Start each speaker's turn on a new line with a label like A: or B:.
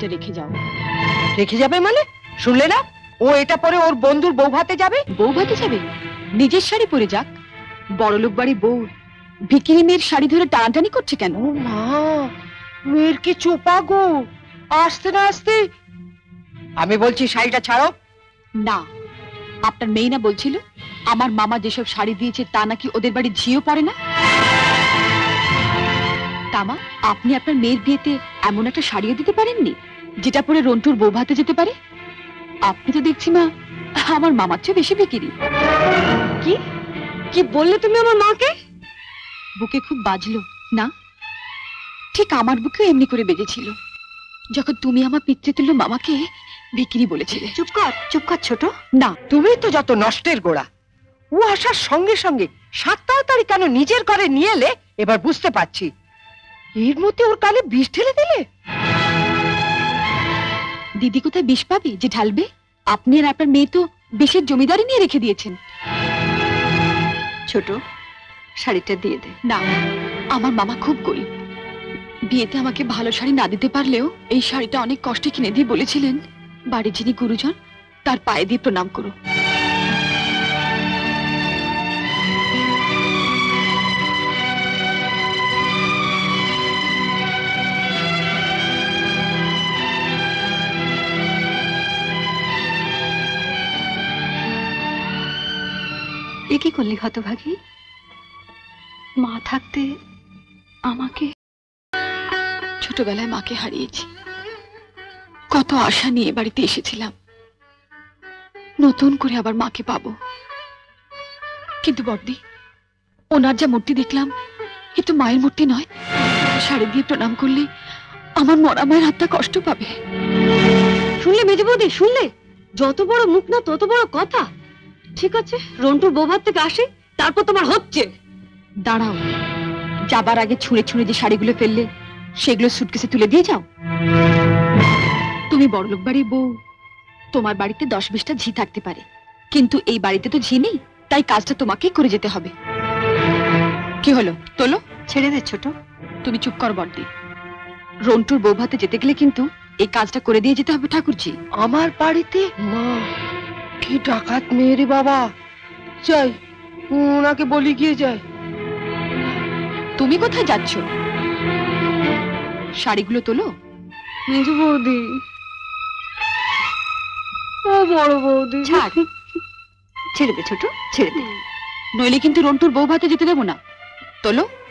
A: শাড়িটা রেখে যাও।
B: রেখে যাবে মানে? শুনলে না, ও এটা পরে ওর বন্ধুর বউ ভাতে যাবে।
A: বউ ভাতে যাবে? নিজের শাড়ি পরে যাক। বড়লোক বাড়ি বউ ভিকিরি মেয়ের শাড়ি ধরে টানাটানি করছে কেন?
B: ও মা, মেয়ের কি চোপা গো, আসতে না আসতে। আমি বলছি শাড়িটা ছাড়ো।
A: না, আপনার মেয়ে না বলছিল আমার মামা যেসব শাড়ি দিয়েছে তা নাকি ওদের বাড়ির ঝিও পড়ে না। তামা, আপনি আপনার মেয়ের বিয়েতে এমন একটা শাড়িও দিতে পারেননি যেটা পরে রন্টুর বউ ভাতে যেতে পারে? আপনি তো দেখছি মা আমার মামার চেয়ে বেশি বিক্রি।
B: কি কি বললে তুমি আমার মাকে?
A: বুকে খুব বাজলো না? ঠিক আমার বুকেও এমনি করে বেজেছিল যখন তুমি আমার পিতৃতুল্য মামাকে বিক্রি বলেছিলে।
B: চুপ কর ছোট। না, তুমি তো যত নষ্টের গোড়া। ও আসার সঙ্গে সঙ্গে 7 তাড়াতাড়ি কেন নিজের ঘরে নিয়ে এলে এবার বুঝতে পারছি। এর মধ্যে ওর কানে বিষ ঢেলে দিলে।
A: দিদি কোথায় বিষ পাবে যে ঢালবে? আপনি আর আপনার মেয়ে তো বিষের জমিদারি নিয়ে রেখে দিয়েছেন।
B: ছোট, শাড়িটা দিয়ে দে।
A: না, আমার মামা খুব গরিব। বিয়েতে আমাকে ভালো শাড়ি না দিতে পারলেও এই শাড়িটা অনেক কষ্টে কিনে দিয়ে বলেছিলেন বাড়ির যিনি গুরুজন তার পায়ে দিয়ে প্রণাম করো।
B: এ কি করলি হতভাগী? মা থাকতে আমাকে।
A: ছোটবেলায় মাকে হারিয়েছি, কত আশা নিয়ে বাড়িতে এসেছিলাম নতুন করে আবার মাকে পাবো। কিন্তু বড়দি, ওনার যা মূর্তি দেখলাম এ তো মায়ের মূর্তি নয়। শাড়ি দিয়ে প্রণাম করলে আমার মরা মায়ের হাতটা কষ্ট পাবে।
B: শুনলে মেজে বৌদি, শুনলে? যত বড় মুখ না তত বড় কথা। ঠিক আছে, রন্টুর বৌভাত থেকে আসে, তারপর তোমার হচ্ছে।
A: দাঁড়াও, যাবার আগে ছুঁড়ে ছুঁড়ে যে শাড়িগুলো ফেললে সেগুলো সুটকেসে তুলে দিয়ে যাও। তুমি বড়লোক বাড়ির বউ, তোমার বাড়িতে 10-20টা ঝি থাকতে পারে, কিন্তু এই বাড়িতে তো ঝি নেই, তাই কাজটা তোমাকেই করে যেতে হবে। কি হলো, তোলো।
B: ছেড়ে দে ছোট।
A: তুমি চুপ কর বড়দি। রন্টুর বউ ভাতে যেতে গেলে কিন্তু এই কাজটা করে দিয়ে যেতে হবে ঠাকুরজি।
B: আমার বাড়িতে? মা, কি ডাকাত মেয়ে রে বাবা। যাই, ওনাকে বলি গিয়ে যায়।
A: তুমি কোথায় যাচ্ছ? শাড়িগুলো তোলো।
B: মেজু বৌদি, ও বড় বৌদি,
A: ছাড়।
B: ছেড়ে দে ছোট, ছেড়ে দে।
A: নইলে কিন্তু রন্টুর বউ ভাতে যেতে দেবো না। তোলো।